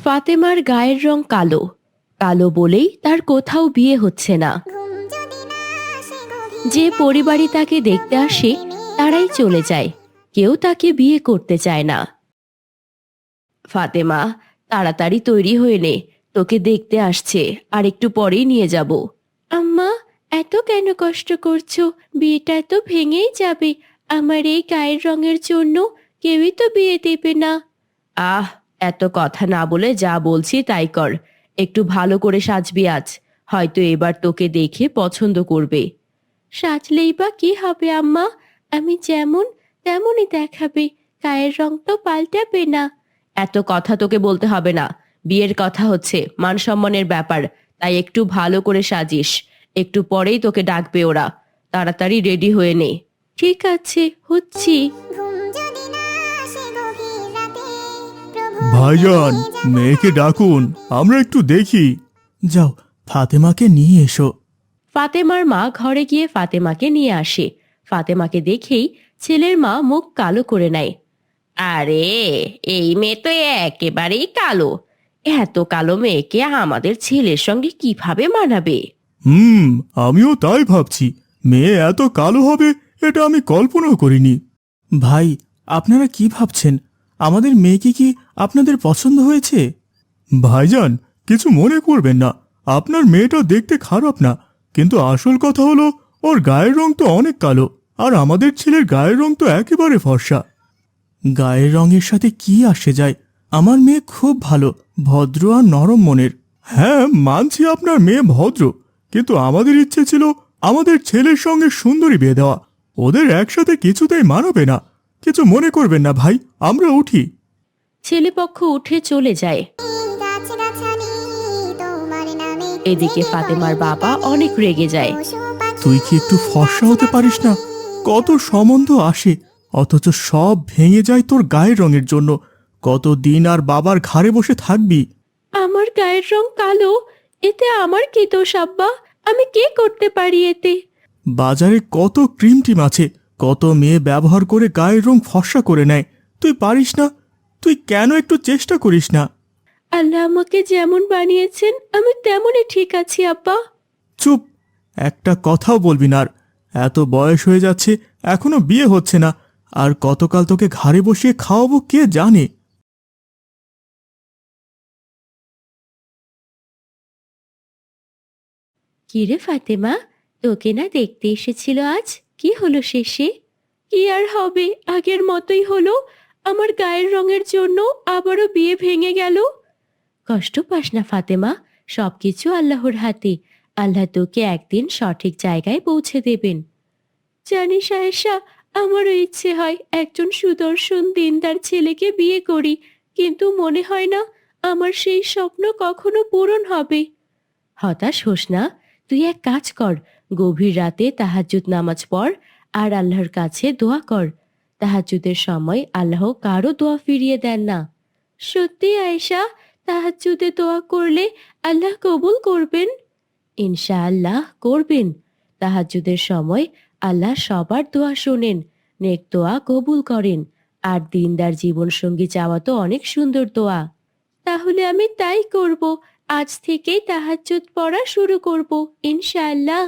ফাতেমার গায়ের রং কালো, কালো বলেই তার কোথাও বিয়ে হচ্ছে না। যে পরিবারই তাকে দেখতে আসে তারাই চলে যায়, কেউ তাকে বিয়ে করতে চায় না। ফাতেমা, তাড়াতাড়ি তৈরি হয়ে নে, তোকে দেখতে আসছে, আর একটু পরেই নিয়ে যাব। আম্মা, এত কেন কষ্ট করছো? বিয়েটা তো ভেঙেই যাবে। আমার এই গায়ের রঙের জন্য কেউই তো বিয়ে দেবে না। আহ, এত কথা না বলে যা বলছি তাই কর। একটু ভালো করে সাজবি আজ, হয়তো এবার তোকে দেখে পছন্দ করবে। সাজলেই বা কি হবে আম্মা? আমি যেমন তেমনই দেখাবে, গায়ের রং তো পাল্টাবে না। এত কথা তোকে বলতে হবে না, বিয়ের কথা হচ্ছে, মান সম্মানের ব্যাপার, তাই একটু ভালো করে সাজিস। একটু পরেই তোকে ডাকবে ওরা, তাড়াতাড়ি রেডি হয়ে নে। ঠিক আছে, হচ্ছি। ভাইজান, মেয়েকে ডাকুন, আমরা একটু দেখি। যাও, ফাতেমাকে নিয়ে এসো। ফাতেমার মা ঘরে গিয়ে ফাতেমাকে নিয়ে আসে। ফাতেমাকে দেখেই ছেলের মা মুখ কালো করে নেয়। আরে, এই মেয়ে তো একেবারেই কালো। এত কালো মেয়েকে আমাদের ছেলের সঙ্গে কিভাবে মানাবে? আমিও তাই ভাবছি। মেয়ে এত কালো হবে এটা আমি কল্পনাও করিনি। ভাই, আপনারা কি ভাবছেন? আমাদের মেয়েকে কি আপনাদের পছন্দ হয়েছে? ভাইজান, কিছু মনে করবেন না, আপনার মেয়েটা দেখতে খারাপ না, কিন্তু আসল কথা হলো ওর গায়ের রং তো অনেক কালো, আর আমাদের ছেলের গায়ের রং তো একেবারে ফর্সা। গায়ের রঙের সাথে কি আসে যায়? আমার মেয়ে খুব ভালো, ভদ্র আর নরম মনের। হ্যাঁ, মানছি আপনার মেয়ে ভদ্র, কিন্তু আমাদের ইচ্ছে ছিল আমাদের ছেলের সঙ্গে সুন্দরী বিয়ে দেওয়া। ওদের একসাথে কিছুতেই মানাবে না। কিছু মনে করবেন না ভাই, আমরা উঠি। ছেলেপক্ষ উঠে চলে যায়। এদিকে ফাতেমার বাবা অনেক রেগে যায়। তুই কি একটু ফর্সা হতে পারিস না? কত সম্বন্ধ আসে, অথচ সব ভেঙে যায় তোর গায়ের রঙের জন্য। কতদিন আর বাবার ঘাড়ে বসে থাকবি? আমার গায়ের রং কালো, এতে আমার কি দোষ আব্বা? আমি কি করতে পারি এতে? বাজারে কত ক্রিম টিম আছে, কত মেয়ে ব্যবহার করে গায়ের রং ফর্সা করে নেয়। তুই পারিস না? তুই কেন একটু চেষ্টা করিস না? আল্লাহ আমাকে যেমন বানিয়েছেন আমি তেমনই ঠিক আছি আব্বা। চুপ, একটা কথাও বলবি না আর। এত বয়স হয়ে যাচ্ছে, এখনো বিয়ে হচ্ছে না, আর কতকাল তোকে ঘাড়ে বসিয়ে খাওয়াবো কে জানে। কিরে ফাতেমা, তোকে না দেখতে এসেছিল আজ? কি হলো শেষে? কি আর হবে, আগের মতোই হলো। আমার গায়ের রঙের জন্য আবারও বিয়ে ভেঙে গেল। কষ্ট পাস না ফাতেমা, সবকিছু আল্লাহর হাতে। আল্লাহ তোকে একদিন সঠিক জায়গায় পৌঁছে দেবেন। জানিস আয়েশা, আমারও ইচ্ছে হয় একজন সুদর্শন দিনদার ছেলেকে বিয়ে করি, কিন্তু মনে হয় না আমার সেই স্বপ্ন কখনো পূরণ হবে। হতাশ হোস না, তুই এক কাজ কর, গভীর রাতে তাহাজ্জুদ নামাজ পড় আর আল্লাহর কাছে দোয়া কর। তাহাজ্জুদের সময় আল্লাহ কারো দোয়া ফিরিয়ে দেন না। সত্যি আয়েশা, তাহাজ্জুদে দোয়া করলে আল্লাহ কবুল করবেন? ইনশাআল্লাহ করবেন। তাহাজ্জুদের সময় আল্লাহ সবার দোয়া শোনেন, নেক দোয়া কবুল করেন। আর দিনদার জীবনসঙ্গী চাওয়া তো অনেক সুন্দর দোয়া। তাহলে আমি তাই করব, আজ থেকেই তাহাজ্জুদ পড়া শুরু করব ইনশাআল্লাহ।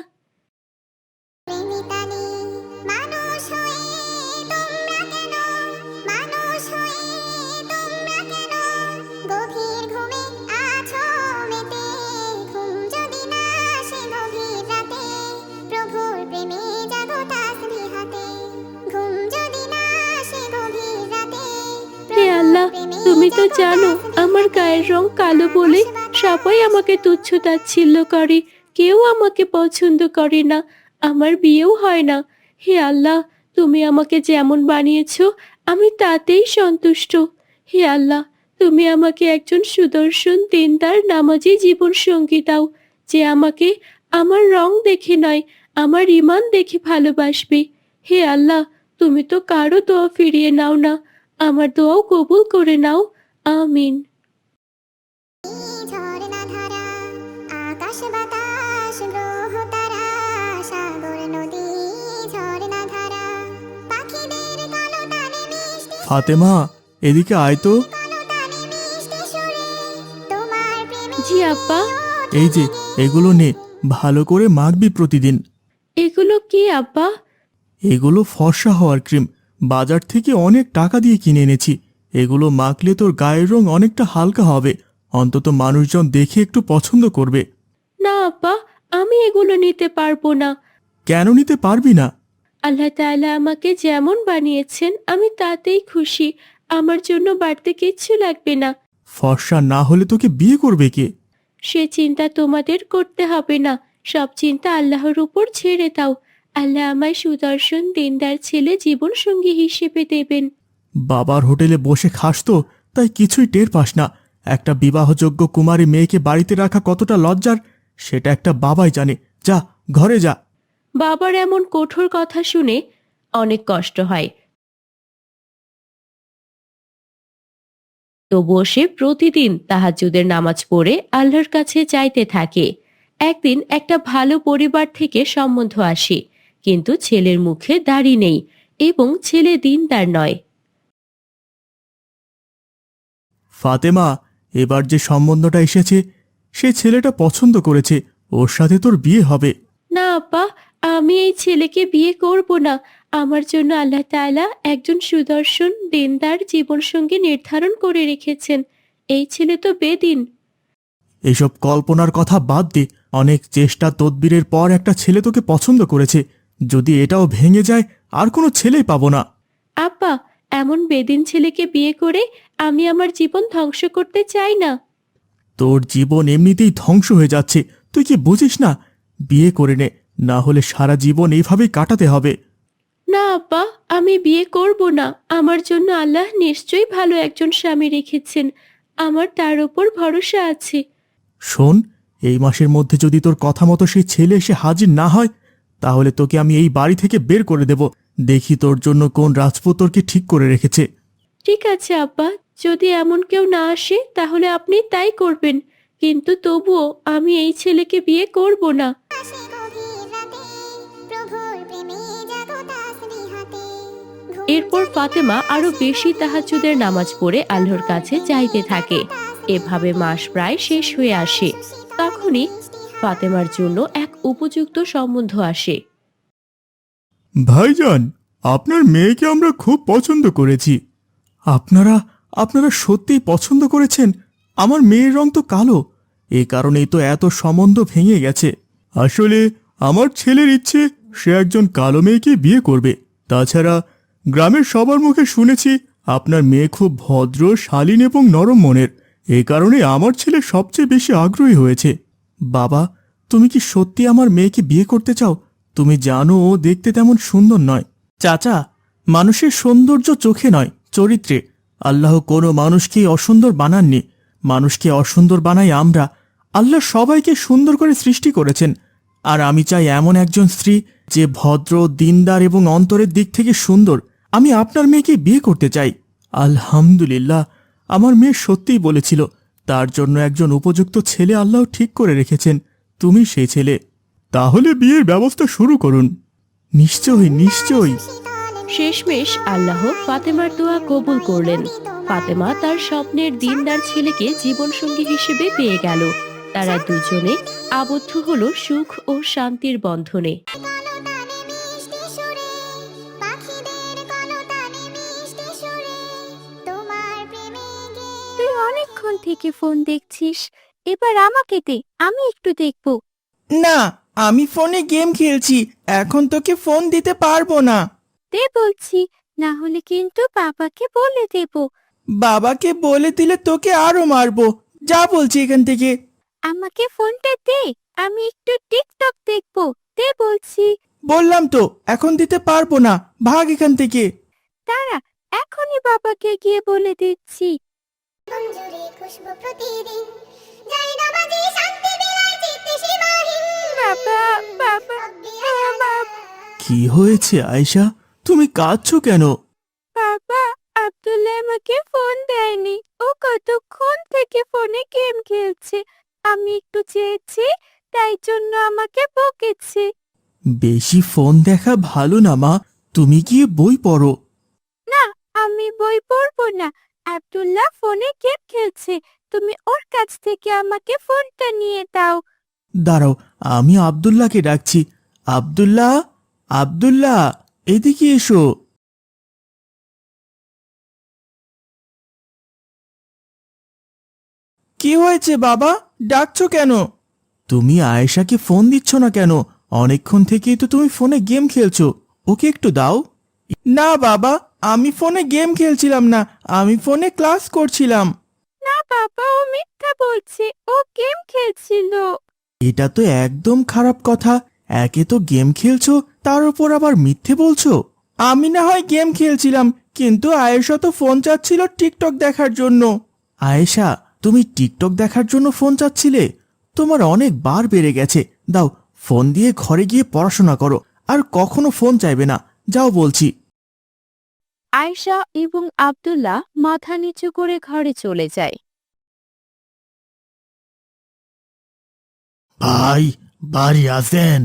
হে আল্লাহ, তুমি তো জানো আমার গায়ের রং কালো বলে সবাই আমাকে তুচ্ছ তাচ্ছিল্য করে, কেউ আমাকে পছন্দ করে না, আমার বিয়েও হয় না। হে আল্লাহ, তুমি আমাকে যেমন বানিয়েছো আমি তাতেই সন্তুষ্ট। হে আল্লাহ, তুমি আমাকে একজন সুদর্শন দিনদার নামাজি জীবন সঙ্গী দাও, যে আমাকে আমার রং দেখে নয়, আমার ঈমান দেখে ভালোবাসবে। হে আল্লাহ, তুমি তো কারো দোয়া ফিরিয়ে নাও না, আমার দোয়াও কবুল করে নাও। আমিন। ফাতেমা, এদিকে আয় তো। জি আব্বা। এই যে এগুলো নে, ভালো করে মাখবি প্রতিদিন। এগুলো কি আব্বা? এগুলো ফর্সা হওয়ার ক্রিম, বাজার থেকে অনেক টাকা দিয়ে কিনে এনেছি। এগুলো মাখলে তোর গায়ের রং অনেকটা হালকা হবে, অন্তত মানুষজন দেখে একটু পছন্দ করবে। না আব্বা, আমি এগুলো নিতে পারবো না। কেন নিতে পারবি না? আল্লাহ তাআলা আমাকে যেমন বানিয়েছেন আমি তাতেই খুশি। আমার জন্য বাড়তে কিচ্ছু লাগবে না। ফর্সা না হলে তোকে বিয়ে করবে কে? সে চিন্তা তোমাদের করতে হবে না। সব চিন্তা আল্লাহর উপর ছেড়ে দাও। আল্লাহ আমায় সুদর্শন দিনদার ছেলে জীবন সঙ্গী হিসেবে দেবেন। বাবার হোটেলে বসে খাস তো, তাই কিছুই টের পাস না। একটা বিবাহযোগ্য কুমারী মেয়েকে বাড়িতে রাখা কতটা লজ্জার, সেটা একটা বাবাই জানে। যা, ঘরে যা। বাবার এমন কঠোর কথা শুনে অনেক কষ্ট হয়। তবুও সে প্রতিদিন তাহাজ্জুদের নামাজ পড়ে আল্লাহর কাছে চাইতে থাকে। একদিন একটা ভালো পরিবার থেকে সম্বন্ধ আসে, কিন্তু ছেলের মুখে দাড়ি নেই এবং ছেলে দিনদার নয়। ফাতেমা, এবার যে সম্বন্ধটা এসেছে সে ছেলেটা পছন্দ করেছে, ওর সাথে তোর বিয়ে হবে। না আব্বা, আমি এই ছেলেকে বিয়ে করব না। আমার জন্য আল্লাহ তাআলা একজন সুদর্শন দিনদার জীবনসঙ্গী নির্ধারণ করে রেখেছেন। এই ছেলে তো বেদিন। এইসব কল্পনার কথা বাদ দে। অনেক চেষ্টা তদবিরের পর একটা ছেলে তোকে পছন্দ করেছে। যদি এটাও ভেঙে যায় আর কোনো ছেলেই পাবো না। আব্বা, এমন বেদিন ছেলেকে বিয়ে করে আমি আমার জীবন ধ্বংস করতে চাই না। তোর জীবন এমনিতেই ধ্বংস হয়ে যাচ্ছে, তুই কি বুঝিস না? বিয়ে করে নে, না হলে সারা জীবন এইভাবেই কাটাতে হবে। না আব্বা, আমি বিয়ে করব না। আমার জন্য আল্লাহ নিশ্চয়ই ভালো একজন স্বামী রেখেছেন। আমার তার উপর ভরসা আছে। শোন, এই মাসের মধ্যে যদি তোর কথা মতো সেই ছেলে এসে হাজির না হয়, তাহলে তোকে আমি এই বাড়ি থেকে বের করে দেব। দেখি তোর জন্য কোন রাজপুত তোরকে ঠিক করে রেখেছে। ঠিক আছে আব্বা, যদি এমন কেউ না আসে তাহলে আপনি তাই করবেন। কিন্তু তবুও আমি এই ছেলেকে বিয়ে করব না। এরপর ফাতেমা আরো বেশি তাহাজ্জুদের নামাজ পড়ে আল্লাহর কাছে চাইতে থাকে। এভাবে মাস প্রায় শেষ হয়ে আসে। তখনই ফাতেমার জন্য এক উপযুক্ত সম্বন্ধ আসে। ভাইজান, আপনার মেয়েকে আমরা খুব পছন্দ করেছি। আপনারা আপনারা সত্যিই পছন্দ করেছেন? আমার মেয়ের রং তো কালো, এই কারণেই তো এত সম্বন্ধ ভেঙে গেছে। আসলে আমার ছেলের ইচ্ছে সে একজন কালো মেয়েকে বিয়ে করবে। তাছাড়া গ্রামের সবার মুখে শুনেছি আপনার মেয়ে খুব ভদ্র, শালীন এবং নরম মনের। এই কারণে আমার ছেলে সবচেয়ে বেশি আগ্রহী হয়েছে। বাবা, তুমি কি সত্যি আমার মেয়েকে বিয়ে করতে চাও? তুমি জানো ও দেখতে তেমন সুন্দর নয়। চাচা, মানুষের সৌন্দর্য চোখে নয়, চরিত্রে। আল্লাহ কোনো মানুষকেই অসুন্দর বানাননি, মানুষকে অসুন্দর বানাই আমরা। আল্লাহ সবাইকে সুন্দর করে সৃষ্টি করেছেন। আর আমি চাই এমন একজন স্ত্রী যে ভদ্র, দিনদার এবং অন্তরের দিক থেকে সুন্দর। আমি আপনার মেয়েকে বিয়ে করতে চাই। আলহামদুলিল্লাহ, আমার মেয়ে সত্যিই বলেছিল, তার জন্য একজন উপযুক্ত ছেলে আল্লাহ ঠিক করে রেখেছেন। তুমি সেই ছেলে। তাহলে বিয়ের ব্যবস্থা শুরু করুন। নিশ্চয়ই নিশ্চয়ই। শেষমেশ আল্লাহ ফাতেমার দোয়া কবুল করলেন। ফাতেমা তার স্বপ্নের দিনদার ছেলেকে জীবনসঙ্গী হিসেবে পেয়ে গেল। তারা দুজনে আবদ্ধ হলো সুখ ও শান্তির বন্ধনে। তুই অনেকক্ষণ থেকে ফোন দেখছিস, এবার আমাকে দে, আমি একটু দেখব। না, আমি ফোনে গেম খেলছি, এখন তোকে ফোন দিতে পারবো না। দে বলছি, না হলে কিন্তু বাবাকে বলে দেব। বাবাকে বলে দিলে তোকে আরো মারবো। যা বলছি এখান থেকে। আমাকে ফোনটা দে, আমি একটু টিকটক দেখব। দে বলছি। বললাম তো এখন দিতে পারবো না, ভাগ এখান থেকে। দাঁড়া, এখনই বাবাকে গিয়ে বলে দিচ্ছি। বাবা, বাবা, বাবা, কি হয়েছে আয়েশা, তুমি কাঁদছো কেন? বাবা, আব্দুল্লাহ আমাকে ফোন দেয়নি। ও কতক্ষণ থেকে ফোনে গেম খেলছে। আমি একটু চেয়েছি, তাই জন্য আমাকে বকেছে। বেশি ফোন দেখা ভালো না মা, তুমি গিয়ে বই পড়ো। না, আমি বই পড়বো না। আব্দুল্লাহ ফোনে গেম খেলছে, তুমি ওর কাছ থেকে আমাকে ফোনটা নিয়ে দাও। দাঁড়াও, আমি আব্দুল্লাহকে ডাকছি। আব্দুল্লাহ, আব্দুল্লাহ, এদিকে এসো। কি হয়েছে বাবা, ডাকছো কেন? তুমি আয়েশাকে ফোন দিচ্ছ না কেন? অনেকক্ষণ থেকেই তো তুমি ফোনে গেম খেলছো, ওকে একটু দাও। না বাবা, আমি ফোনে গেম খেলছিলাম না, আমি ফোনে ক্লাস করছিলাম। না বাবা, ও মিথ্যা বলছে, ও গেম খেলছিল। এটা তো একদম খারাপ কথা। একে তো গেম খেলছো, তার উপর আবার মিথ্যে বলছো। আমি না হয় গেম খেলছিলাম, কিন্তু আয়েশা তো ফোন চাচ্ছিল টিকটক দেখার জন্য। আয়েশা, তুমি টিকটক দেখার জন্য ফোন চাচ্ছিলে? তোমার অনেক বার বেড়ে গেছে। দাও, ফোন দিয়ে ঘরে গিয়ে পড়াশোনা করো, আর কখনো ফোন চাইবে না। যাও বলছি। আয়েশা এবং আব্দুল্লাহ মাথা নিচু করে ঘরে চলে যায়। ভাই, বাড়ি আছেন?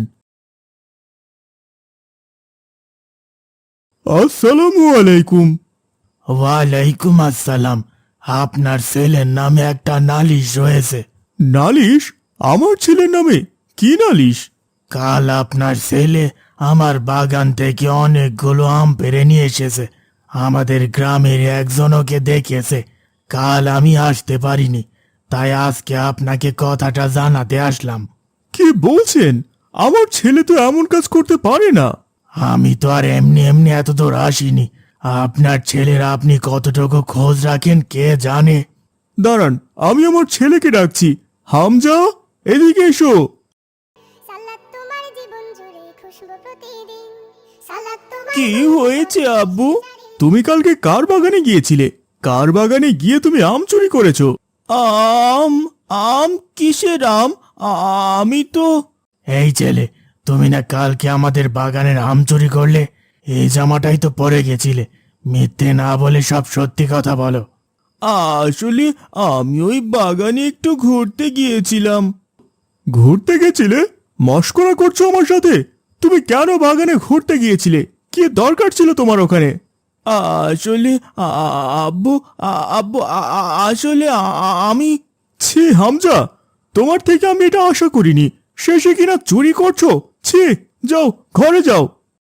আসসালামু আলাইকুম। ওয়ালাইকুম আসসালাম। আপনার ছেলের নামে একটা নালিশ রয়েছে। নালিশ? আমার ছেলের নামে? কি নালিশ? কাল আপনার ছেলে আমার বাগান থেকে অনেকগুলো আম পেড়ে নিয়ে এসেছে। আমাদের গ্রামের একজনকে দেখেছে। কাল আমি আসতে পারিনি, তাই আজকে আপনাকে কথাটা জানাতে আসলাম। কি বলছেন? আমার ছেলে তো এমন কাজ করতে পারে না। আমি তো আর এমনি এমনি এত দূর আসিনি। আপনার ছেলের আপনি কতটুকু খোঁজ রাখেন কে জানে। দাঁড়ান, আমি আমার ছেলেকে ডাকছি। হামজা, এদিকে এসো। সালাদ তোমার জীবন জুড়ে খুশবু প্রতিদিন। সালাদ তোমার কি হয়েছে আব্বু? তুমি কালকে কার বাগানে গিয়েছিলে? কার বাগানে গিয়ে তুমি আম চুরি করেছো? আম? আম? কিসের আম? আমি তো... এই ছেলে, তুমি না কালকে আমাদের বাগানের আম চুরি করলে? এই জামাটাই তো পরে গেছিলে। মিথ্যে না বলে সব সত্যি কথা বলো। আসলে আমি ওই বাগানে একটু ঘুরতে গিয়েছিলাম। ঘুরতে গেছিলে? মশকরা করছো আমার সাথে? তুমি কেন বাগানে ঘুরতে গিয়েছিলে? কি দরকার ছিল তোমার ওখানে? আসলে আব্বু, আব্বু, আসলে আমি... ছি হামজা, তোমার থেকে আমি এটা আশা করিনি। শেষে কিনা চুরি করছো? ছি, যাও ঘরে যাও।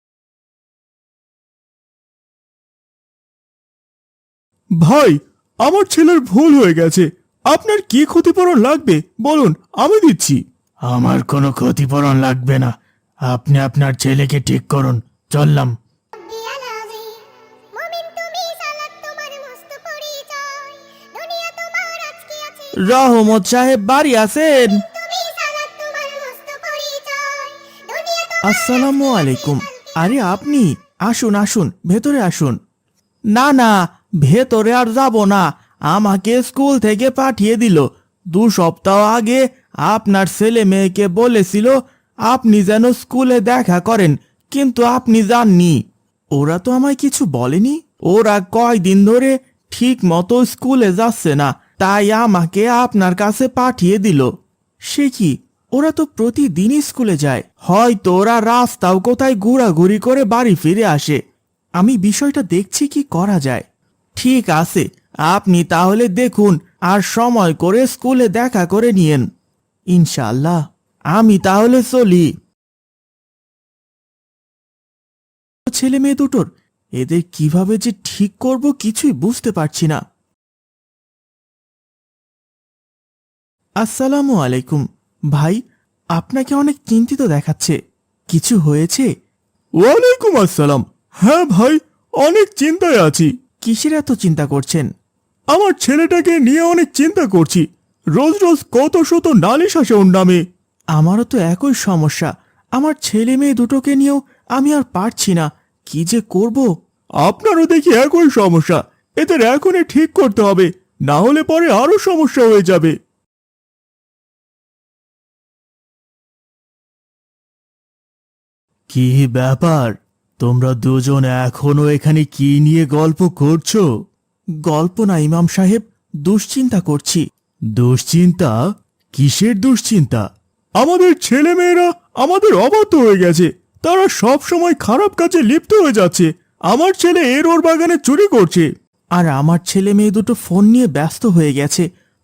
ভাই, আমার ছেলের ভুল হয়ে গেছে। আপনার কি ক্ষতিপূরণ লাগবে বলুন, আমি দিচ্ছি। আমার কোনো ক্ষতিপূরণ লাগবে না। আপনি আপনার ছেলেকে ঠিক করুন। চললাম। রব্বিয়াল আযীম। মুমিন তুমি, সালাদ তোমার মস্ত পরিচয়। দুনিয়া তোমার আজকে আছে। রহমত সাহেব বাড়ি আছেন? তুমি, সালাদ তোমার মস্ত পরিচয়। দুনিয়া তোমার আসসালামু আলাইকুম। আরে আপনি আসুন আসুন, ভেতরে আসুন। না না, ভেতরে আর যাব না। আমাকে স্কুল থেকে পাঠিয়ে দিল। 2 সপ্তাহ আগে আপনার ছেলে মেয়েকে বলেছিল আপনি যেন স্কুলে দেখা করেন, কিন্তু আপনি যাননি। ওরা তো আমায় কিছু বলেনি। ওরা কয়দিন ধরে ঠিক মতো স্কুলে যাচ্ছে না, তাই আমাকে আপনার কাছে পাঠিয়ে দিল। সে কি, ওরা তো প্রতিদিনই স্কুলে যায়। হয়তো ওরা রাস্তাও কোথায় ঘোরাঘুরি করে বাড়ি ফিরে আসে। আমি বিষয়টা দেখছি কি করা যায়। ঠিক আছে, আপনি তাহলে দেখুন আর সময় করে স্কুলে দেখা করে নিয়েন। ইনশাআল্লাহ। আমি তাহলে চলি। ছেলে মেয়ে দুটোর এদের কিভাবে যে ঠিক করব কিছুই বুঝতে পারছি না। আসসালামু আলাইকুম। ভাই, আপনাকে অনেক চিন্তিত দেখাচ্ছে। কিছু হয়েছে? ওয়ালাইকুম আসসালাম। হ্যাঁ ভাই, অনেক চিন্তায় আছি। কিসের এত চিন্তা করছেন? আমার ছেলেটাকে নিয়ে অনেক চিন্তা করছি। রোজ রোজ কত শত নালিশ আসে ওর নামে। আমারও তো একই সমস্যা। আমার ছেলে মেয়ে দুটোকে নিয়েও আমি আর পারছি না। কি যে করব। আপনারও দেখি একই সমস্যা। এদের এখনই ঠিক করতে হবে, না হলে পরে আরো সমস্যা হয়ে যাবে। কি ব্যাপার, তোমরা দুজন এখনো এখানে কি নিয়ে গল্প করছো? গল্প না ইমাম সাহেব, দুশ্চিন্তা করছি। দুশ্চিন্তা? কিসের দুশ্চিন্তা? আমাদের ছেলেমেয়েরা আমাদের অবাধ্য হয়ে গেছে। তারা সব সময় খারাপ কাজে লিপ্ত হয়ে যাচ্ছে। আমার ছেলে এর ওর বাগানে চুরি করছে। আর আমার ছেলে মেয়ে দুটো ফোন নিয়ে ব্যস্ত হয়ে গেছে।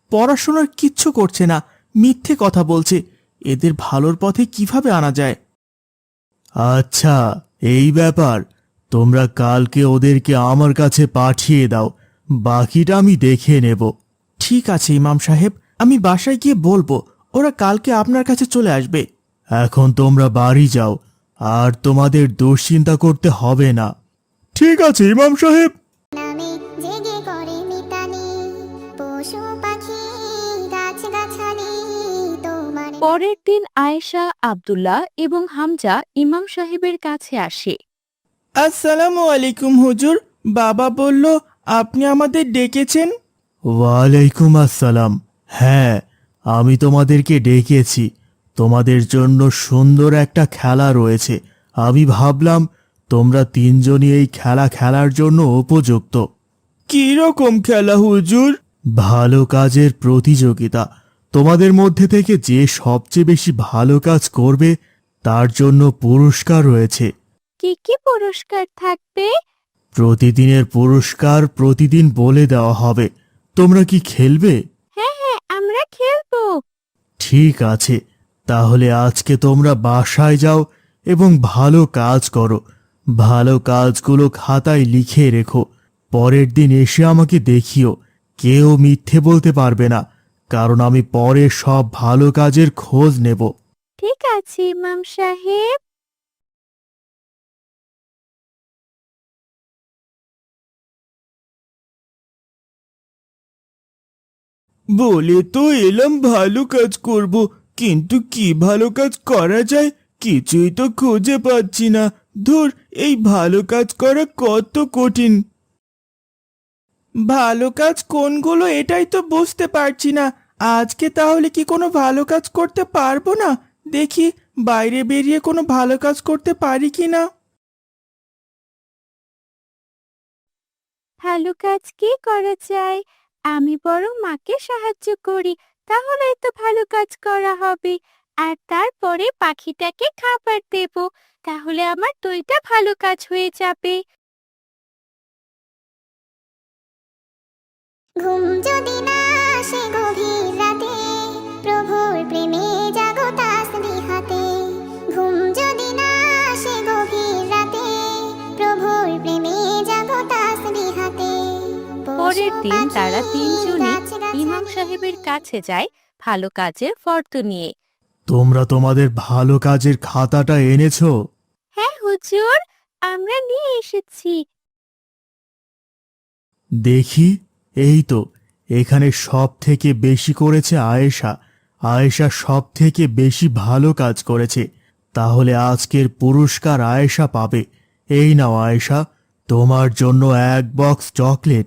পড়াশোনার কিচ্ছু করছে না, মিথ্যে কথা বলছে। এদের ভালোর পথে কিভাবে আনা যায়? আচ্ছা, এই ব্যাপার। তোমরা কালকে ওদেরকে আমার কাছে পাঠিয়ে দাও, বাকিটা আমি দেখে নেব। ঠিক আছে ইমাম সাহেব, আমি বাসায় গিয়ে বলবো, ওরা কালকে আপনার কাছে চলে আসবে। এখন তোমরা বাড়ি যাও, আর তোমাদের দুশ্চিন্তা করতে হবে না। ঠিক আছে ইমাম সাহেব। নামে জেগে করে মিতালি পশু পাখি গাছ গাছালি তোমার পরের দিন আয়েশা, আব্দুল্লাহ এবং হামজা ইমাম সাহেবের কাছে আসে। আসসালামু আলাইকুম হুজুর, বাবা বলল আপনি আমাদের ডেকেছেন। ওয়ালাইকুম আসসালাম। হ্যাঁ, আমি তোমাদেরকে ডেকেছি। তোমাদের জন্য সুন্দর একটা খেলা রয়েছে। আমি ভাবলাম তোমরা তিনজনই এই খেলা খেলার জন্য উপযুক্ত। কি রকম খেলা হুজুর? ভালো কাজের প্রতিযোগিতা। তোমাদের মধ্যে থেকে যে সবচেয়ে বেশি ভালো কাজ করবে তার জন্য পুরস্কার রয়েছে। কি কি পুরস্কার থাকবে? প্রতিদিনের পুরস্কার প্রতিদিন বলে দেওয়া হবে। তোমরা কি খেলবে? হ্যাঁ হ্যাঁ, আমরা খেলবো। ঠিক আছে, তাহলে আজকে তোমরা বাসায় যাও এবং ভালো কাজ করো। ভালো কাজগুলো খাতায় লিখে রেখো। পরের দিন এসে আমাকে দেখিও। কেউ মিথ্যে বলতে পারবে না, কারণ আমি পরে সব ভালো কাজের খোঁজ নেব। ঠিক আছে ইমাম সাহেব। বলে তো এলাম ভালো কাজ করব, কিন্তু কি ভালো কাজ করা যায় কিছুই তো খুঁজে পাচ্ছি না। ধুর, এই ভালো কাজ করা কত কঠিন। ভালো কাজ কোনগুলো এটাই তো বুঝতে পারছি না। আজকে তাহলে কি কোনো ভালো কাজ করতে পারবো না? দেখি বাইরে বেরিয়ে কোনো ভালো কাজ করতে পারি কি না। ভালো কাজ কি করা যায়? আমি বরং মাকে সাহায্য করি, তাহলেই তো ভালো কাজ করা হবে। আর তারপরে পাখিটাকে খাবার দেব, তাহলে আমার দুইটা ভালো কাজ হয়ে যাবে। ঘুম যদি না আসে গভীর রাতে প্রভুর প্রেমে জাগো তাসবিহাতে ঘুম যদি না আসে গভীর রাতে প্রভুর প্রেমে জাগো তাসবিহাতে পরের দিন তারা তিনজনই ইমাম সাহেবের কাছে যায় ভালো কাজের ফর্দ নিয়ে। তোমরা তোমাদের ভালো কাজের খাতাটা এনেছো? হ্যাঁ হুজুর, আমরা নিয়ে এসেছি। দেখি, এই তো, এখানে সব থেকে বেশি করেছে আয়েশা। আয়েশা সব থেকে বেশি ভালো কাজ করেছে। তাহলে আজকের পুরস্কার আয়েশা পাবে। এই নাও আয়েশা, তোমার জন্য এক বক্স চকলেট।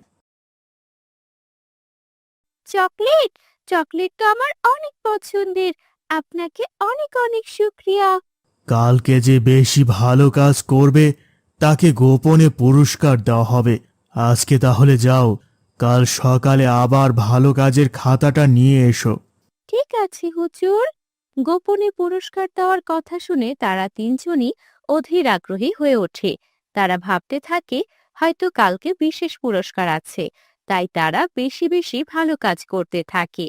চকলেট? চকলেট তো আমার অনেক পছন্দের। আপনাকে অনেক অনেক শুক্রিয়া। কালকে যে বেশি ভালো কাজ করবে তাকে গোপনে পুরস্কার দেওয়া হবে। আজকে তাহলে যাও, কাল সকালে আবার ভালো কাজের খাতাটা নিয়ে এসো। ঠিক আছে হুজুর। গোপনে পুরস্কার দেওয়ার কথা শুনে তারা তিনজনই অধীর আগ্রহী হয়ে ওঠে। তারা ভাবতে থাকে হয়তো কালকে বিশেষ পুরস্কার আছে, তাই তারা বেশি বেশি ভালো কাজ করতে থাকে।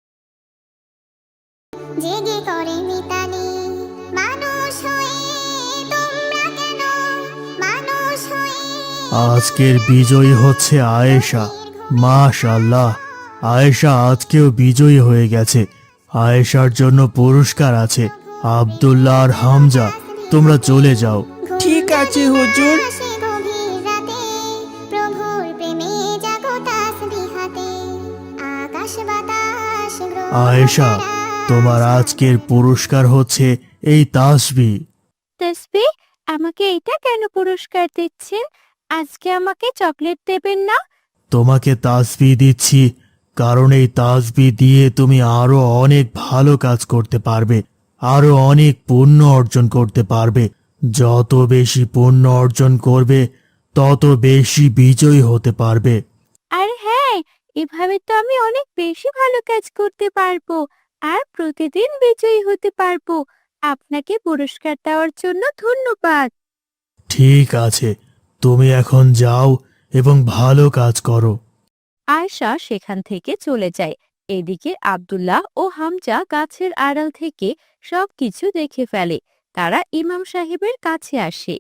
জেগে করে মিতালি মানুষ হয়ে তোমরা কেন মানুষ হয়ে আজকের বিজয়ী হচ্ছে আয়েশা। মাশাআল্লাহ, আয়েশা আজকেও বিজয়ী হয়ে গেছে। আয়েশার জন্য পুরস্কার আছে। আব্দুল্লাহ আর হামজা, তোমরা চলে যাও। ঠিক আছে হুজুর। আসে গভীর রাতে প্রভুর প্রেমে জাগো তাসবিহাতে আকাশ বাতাস গ্রহ আয়েশা, তোমার আজকের পুরস্কার হচ্ছে এই তাসবিহ। তাসবিহ? আমাকে এটা কেন পুরস্কার দিচ্ছেন? আজকে আমাকে চকলেট দেবেন না? তোমাকে তাসবিহ দিচ্ছি কারণ এই তাসবিহ দিয়ে তুমি আরো অনেক ভালো কাজ করতে পারবে, আরো অনেক পুণ্য অর্জন করতে পারবে। যত বেশি পুণ্য অর্জন করবে তত বেশি বিজয়ী হতে পারবে। আর হ্যাঁ, এভাবে তো আমি অনেক বেশি ভালো কাজ করতে পারবো আর প্রতিদিন বিজয়ী হতে পারবো। আপনাকে পুরস্কার দেওয়ার জন্য ধন্যবাদ। ঠিক আছে, তুমি এখন যাও এবং ভালো কাজ করো। আয়শা সেখান থেকে চলে যায় এদিকে আব্দুল্লাহ ও হামজা গাছের আড়াল থেকে সবকিছু দেখে ফেলে। তারা ইমাম সাহেবের কাছে আসে।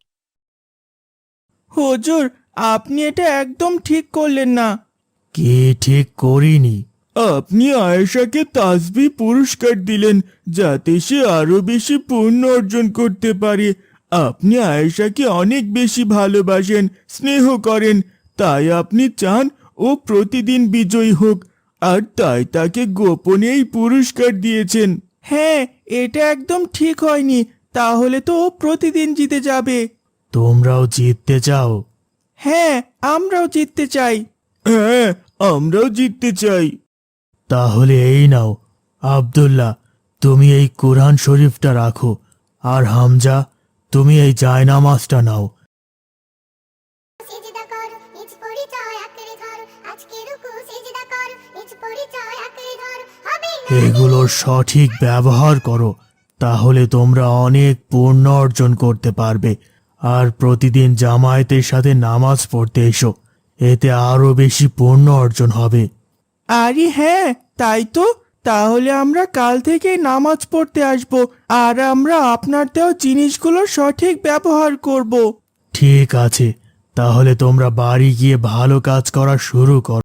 হুজুর, আপনি এটা একদম ঠিক করলেন না। কে ঠিক করিনি? আপনি আয়েশাকে তাসবিহ পুরস্কার দিলেন যাতে সে আরো বেশি পুণ্য অর্জন করতে পারে। আপনি আয়েশাকে অনেক বেশি ভালোবাসেন, স্নেহ করেন, তাই আপনি চান ও প্রতিদিন বিজয়ী হোক, আর তাই তাকে গোপনে এই পুরস্কার দিয়েছেন। হ্যাঁ, এটা একদম ঠিক হয়নি। তাহলে তো ও প্রতিদিন জিতে যাবে। তোমরাও জিততে চাও? হ্যাঁ, আমরাও জিততে চাই। হ্যাঁ, আমরাও জিততে চাই। তাহলে এই নাও, আব্দুল্লাহ, তুমি এই কোরআন শরীফটা রাখো, আর হামজা, তুমি এই জায়নামাজটা নাও। সিজদা কর নিজ পরিচয় আঁকড়ে ধর আজকে রুকু সিজদা কর নিজ পরিচয় আঁকড়ে ধর হবে না এগুলোর সঠিক ব্যবহার করো, তাহলে তোমরা অনেক পুণ্য অর্জন করতে পারবে। আর প্রতিদিন জামায়াতের সাথে নামাজ পড়তে এসো, এতে আরো বেশি পুণ্য অর্জন হবে। আরে হ্যাঁ, তাই তো। তাহলে আমরা কাল থেকে নামাজ পড়তে আসব, আর আমরা আপনার দেওয়া জিনিসগুলোর সঠিক ব্যবহার করব। ঠিক আছে, তাহলে তোমরা বাড়ি গিয়ে ভালো কাজ করা শুরু করো।